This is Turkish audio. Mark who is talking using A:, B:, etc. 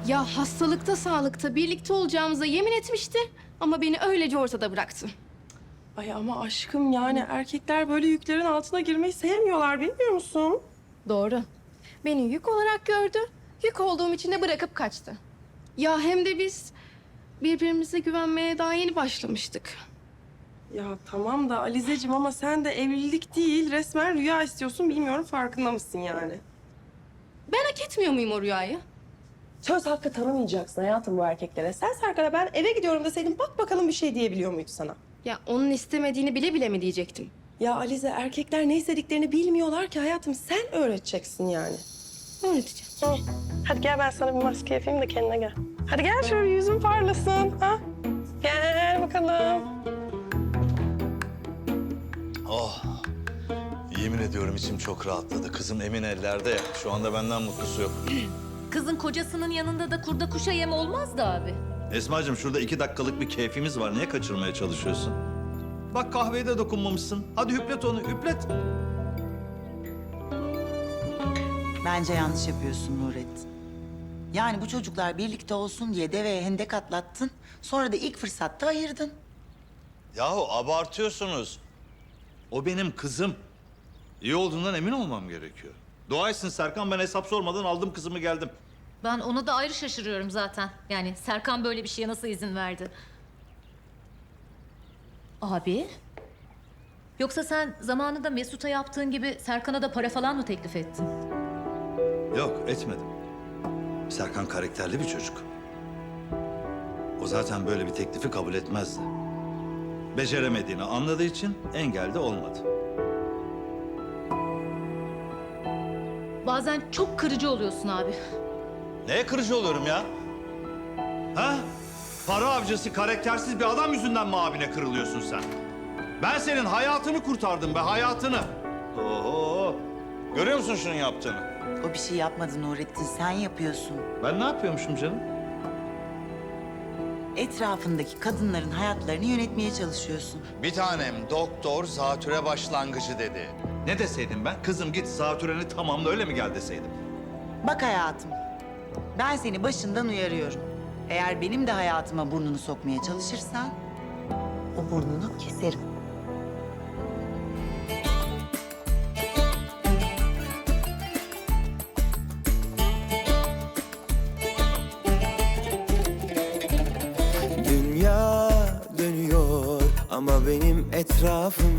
A: Ya hastalıkta sağlıkta birlikte olacağımıza yemin etmişti. Ama beni öylece ortada bıraktı.
B: Ay ama aşkım yani erkekler böyle yüklerin altına girmeyi sevmiyorlar bilmiyor musun?
A: Doğru. Beni yük olarak gördü. Yük olduğum için de bırakıp kaçtı. Ya hem de biz birbirimize güvenmeye daha yeni başlamıştık.
B: Ya tamam da Alizeciğim ama sen de evlilik değil resmen rüya istiyorsun bilmiyorum farkında mısın yani?
A: Ben hak etmiyor muyum o rüyayı?
B: Söz hakkı tanımayacaksın hayatım bu erkeklere. Sen Serkan'a ben eve gidiyorum deseydin bak bakalım bir şey diyebiliyor muydu sana?
A: Ya onun istemediğini bile bile mi diyecektim?
B: Ya Alize erkekler ne istediklerini bilmiyorlar ki hayatım sen öğreteceksin yani.
A: Öğreteceğim.
B: Hadi gel ben sana bir maske yapayım da kendine gel. Hadi gel şöyle yüzün parlasın. Ha? Gel bakalım.
C: Oh, yemin ediyorum içim çok rahatladı. Kızım emin ellerde ya. Şu anda benden mutlusu yok.
D: Kızın kocasının yanında da kurda kuşa yem olmaz da abi.
C: Esma'cığım şurada 2 dakikalık bir keyfimiz var. Niye kaçırmaya çalışıyorsun? Bak kahveye de dokunmamışsın. Hadi üplet onu, üplet.
E: Bence yanlış yapıyorsun Nurettin. Yani bu çocuklar birlikte olsun diye deveye hendek atlattın. Sonra da ilk fırsatta ayırdın.
C: Yahu abartıyorsunuz. O benim kızım. İyi olduğundan emin olmam gerekiyor. Dua etsin Serkan, ben hesap sormadan aldım kızımı geldim.
D: Ben ona da ayrı şaşırıyorum zaten. Yani Serkan böyle bir şeye nasıl izin verdi? Abi? Yoksa sen zamanında Mesut'a yaptığın gibi Serkan'a da para falan mı teklif ettin?
C: Yok, etmedim. Serkan karakterli bir çocuk. O zaten böyle bir teklifi kabul etmezdi. Beceremediğini anladığı için engel de olmadı.
D: Bazen çok kırıcı oluyorsun abi.
C: Neye kırıcı oluyorum ya? Ha? Para avcısı, karaktersiz bir adam yüzünden mi abine kırılıyorsun sen? Ben senin hayatını kurtardım be, hayatını. Oho! Görüyor musun şunun yaptığını?
E: O bir şey yapmadı Nurettin, sen yapıyorsun.
C: Ben ne yapıyormuşum canım?
E: Etrafındaki kadınların hayatlarını yönetmeye çalışıyorsun.
C: Bir tanem doktor zatüre başlangıcı dedi. Ne deseydim ben? Kızım git zatüreni tamamla öyle mi gel deseydim?
E: Bak hayatım, ben seni başından uyarıyorum. Eğer benim de hayatıma burnunu sokmaya çalışırsan... ...o burnunu keserim.
F: Dünya dönüyor ama benim etrafım